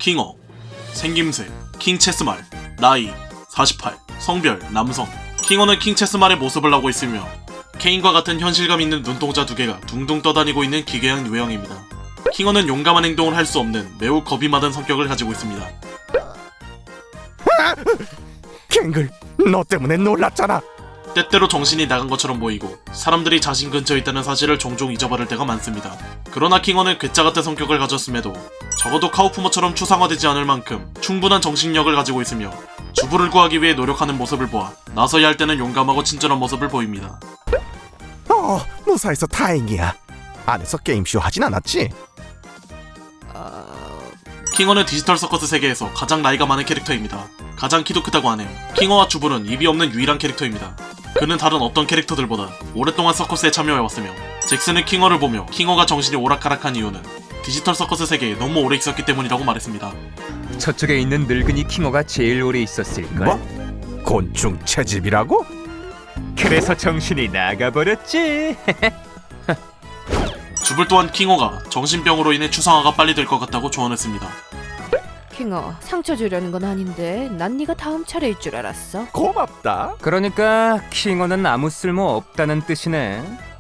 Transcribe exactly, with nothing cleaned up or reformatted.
킹어, 생김새, 킹체스말, 나이, 사십팔, 성별, 남성. 킹어는 킹체스말의 모습을 하고 있으며 케인과 같은 현실감 있는 눈동자 두 개가 둥둥 떠다니고 있는 기괴한 유형입니다. 킹어는 용감한 행동을 할 수 없는 매우 겁이 많은 성격을 가지고 있습니다. 갱글, 너 때문에 놀랐잖아. 때때로 정신이 나간 것처럼 보이고 사람들이 자신 근처에 있다는 사실을 종종 잊어버릴 때가 많습니다. 그러나 킹어는 괴짜 같은 성격을 가졌음에도 적어도 카우프머처럼 추상화되지 않을 만큼 충분한 정신력을 가지고 있으며 주부를 구하기 위해 노력하는 모습을 보아 나서야 할 때는 용감하고 친절한 모습을 보입니다. 어, 무사해서 다행이야. 안에서 게임쇼 하진 않았지? 킹어는 디지털 서커스 세계에서 가장 나이가 많은 캐릭터입니다. 가장 키도 크다고 하네요. 킹어와 주부는 입이 없는 유일한 캐릭터입니다. 그는 다른 어떤 캐릭터들보다 오랫동안 서커스에 참여해왔으며 잭슨은 킹어를 보며 킹어가 정신이 오락가락한 이유는 디지털 서커스 세계에 너무 오래 있었기 때문이라고 말했습니다. 저쪽에 있는 늙은이 킹어가 제일 오래 있었을걸? 뭐? 곤충 채집이라고? 그래서 정신이 나가버렸지. 주불 또한 킹어가 정신병으로 인해 추상화가 빨리 될 것 같다고 조언했습니다. 킹어, 상처 주려는 건 아닌데 난 네가 다음 차례일 줄 알았어. 고맙다. 그러니까 킹어는 아무 쓸모 없다는 뜻이네.